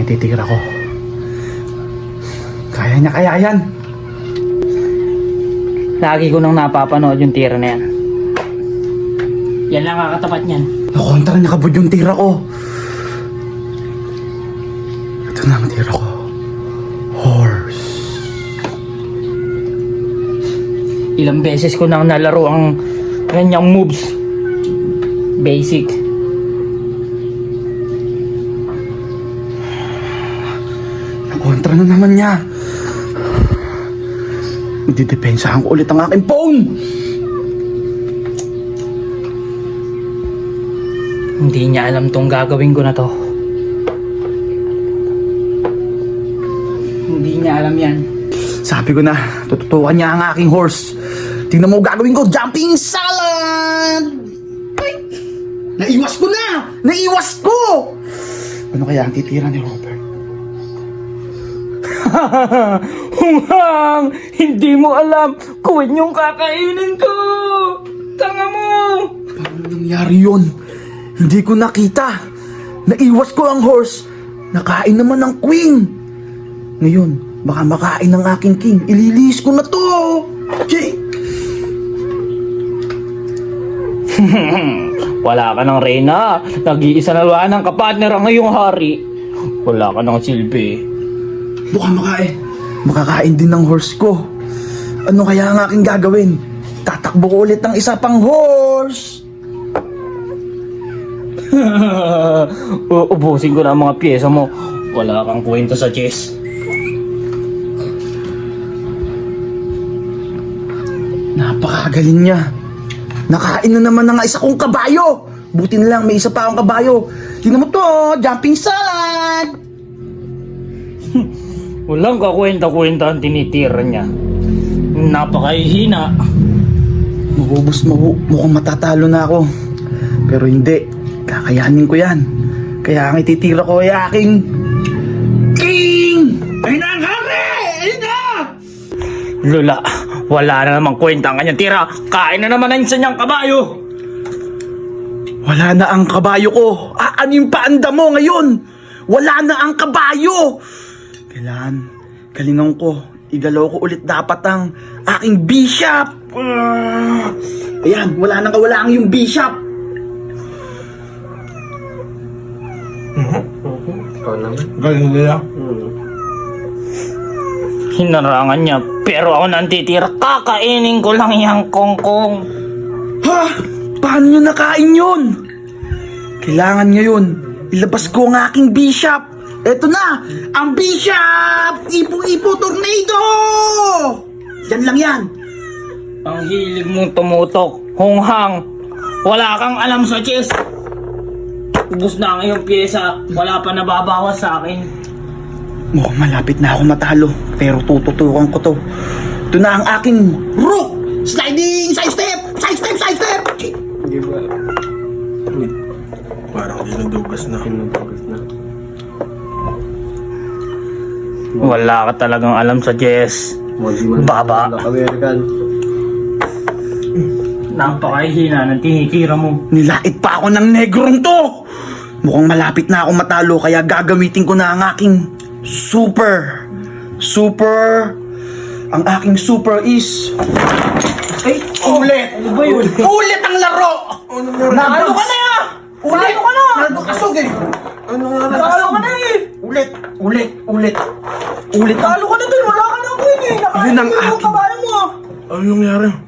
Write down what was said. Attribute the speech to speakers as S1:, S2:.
S1: natitira ko. Kaya niya kaya yan.
S2: Lagi ko nang napapanood yung tira na yan. Yan lang kakatapat niyan.
S1: Nakontra niya kabud yung tira ko. Ito na ang tira ko. Horse.
S2: Ilang beses ko nang nalaro ang kanyang moves. Basic.
S1: Nakontra na naman niya. Magdidepensahan ko ulit ang aking phone.
S2: Hindi niya alam tong gagawin ko na to. Hindi niya alam yan.
S1: Sabi ko na, tututukan niya ang aking horse. Tingnan mo gagawin ko, jumping salad! Ay! Naiwas ko na! Naiwas ko! Ano kaya ang titira ni Robert?
S2: Hunghang! Hindi mo alam kung yung kakainin ko! Tanga mo!
S1: Paano nangyari yun? Hindi ko nakita. Naiwas ko ang horse. Nakain naman ng queen. Ngayon, baka makain ng aking king. Ililis ko na to! Jay!
S2: Wala ka ng reyna. Nag-iisa na ba ng kapartner ang ngayong hari? Wala ka ng silbi.
S1: Mukhang makain. Makakain din ng horse ko. Ano kaya ang aking gagawin? Tatakbo ko ulit ng isa pang horse.
S2: Ubusin ko na ang mga pyesa mo. Wala kang kwenta sa chess.
S1: Napakagaling niya. Nakain na naman ng isa kong kabayo. Buti na lang may isa pa akong kabayo. Tingnan mo to, jumping salad.
S2: Walang kakwenta-kwenta ang tinitira niya. Napakahihina.
S1: Mukhang matatalo na ako. Pero hindi. Kakayanin ko yan. Kaya ang ititira ko ay aking king! Ayun na ang hari! Ayun na!
S2: Lula, wala na namang kwenta ang kanyang tira. Kain na naman ang isa niyang kabayo.
S1: Wala na ang kabayo ko. Ano yung paanda mo ngayon? Wala na ang kabayo. Kailangan, galingan ko. Igalaw ko ulit dapat ang aking bishop. Ayan, wala nang kawalaan yung bishop.
S3: Ikaw naman.
S1: Galing nila.
S2: Hinarangan niya, pero ako nang titira. Kakainin ko lang yung kongkong.
S1: Ha? Paano nyo nakain yun? Kailangan ngayon, ilabas ko ang aking bishop. Eto na, ang bishop! Ipo-ipo tornado! Yan lang yan.
S2: Ang hilig mong tumutok, hunghang. Wala kang alam sa chess. Ubus na ang iyong pyesa. Wala pa nababawas sa akin.
S1: Mukhang malapit na ako matalo, pero tututukan ko to. Ito na ang aking rook! Sliding! Side step! Side step! Side step!
S3: Hindi ba? Uy, parang dinudugas na. Dinudugas na.
S2: Wala ka talagang alam sa chess. Baba.
S3: American.
S2: Napakahihina ng tinitira mo.
S1: Nilait pa ako ng negrong to! Mukhang malapit na ako matalo, kaya gagamitin ko na ang aking super. Ang aking super is... Ay, ulit!
S2: Ano ba yun?
S1: Ulit ang laro!
S2: Nalo ka na ya!
S1: Ulit!
S2: Nalo ka na!
S1: Nagkasog eh!
S3: Ano nga na?
S2: Nalo ka na eh!
S1: Ulit ang...
S2: Nalo ka na dun! Wala ka na queen eh!
S1: Yun ang
S2: Nakain mo yung
S1: akin.
S2: kabayo mo ah!
S3: Ano nangyari?